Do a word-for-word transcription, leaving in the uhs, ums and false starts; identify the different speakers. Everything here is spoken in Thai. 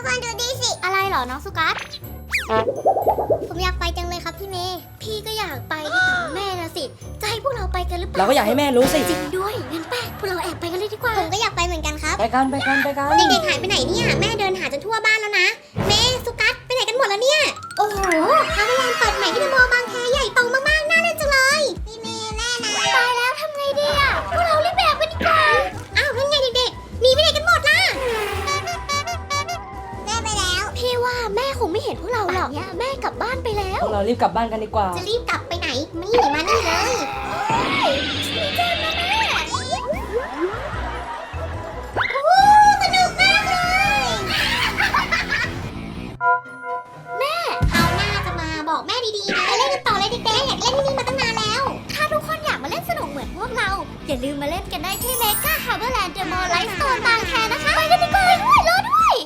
Speaker 1: กคนดูดีสิอะไรเหรอน้องสุกัสผมอยากไปจังเลยครับพี่เมย์พี่ก็อยากไปแม่นะสิจะให้พวกเราไปกันหรือเปล่า
Speaker 2: เราก็อยากให้แม่รู้สิ
Speaker 1: จริงด้วยงั้นไปพวกเราแอบไปกันเลยดีกว่าผมก็อยากไปเหมือนกันครับ
Speaker 2: ไปกันไปกันไปกัน
Speaker 1: เด็กๆหายไปไหนเนี่ยแม่เดินหาจนทั่วบ้านแล้วนะเมย์สุกัสไปไหนกันหมดแล้วเนี่ยโอ้โหฮาร์เบอร์แลนด์เปิดใหม่ที่เดอะมอลล์บางแคใหญ่โตมากๆน่าเล่นจังเลยพี่เมย์แม่นะตายแล้วทำไงดีอ่ะพวกเรารีบแบบกันดีกว่าอ้าวนั่นไงเด็กๆหนีไปไหนกันหมดล่ะแม่ไปแล้วพี่ว่าแม่คงไม่เห็นพวกเราหรอกเนี่ยแม่กลับบ้านไปแล้ว
Speaker 2: พวกเรารีบกลับบ้านกันดีกว่า
Speaker 1: จะรีบกลับไปไหนมานี่มานี่เลยมีเจนนะแม่โอ้สนุกมากเลยแม่เอาหน้าจะมาบอกแม่ดีๆนะไปเล่นกันต่อเลยเด็กๆอยากเล่นที่นี่มาตั้งนานแล้วถ้าทุกคนอยากมาเล่นสนุกเหมือนพวกเราอย่าลืมมาเล่นกันได้ที่เมกาฮาร์เบอร์แลนด์เดอะมอลล์ไลฟ์สโตนบาง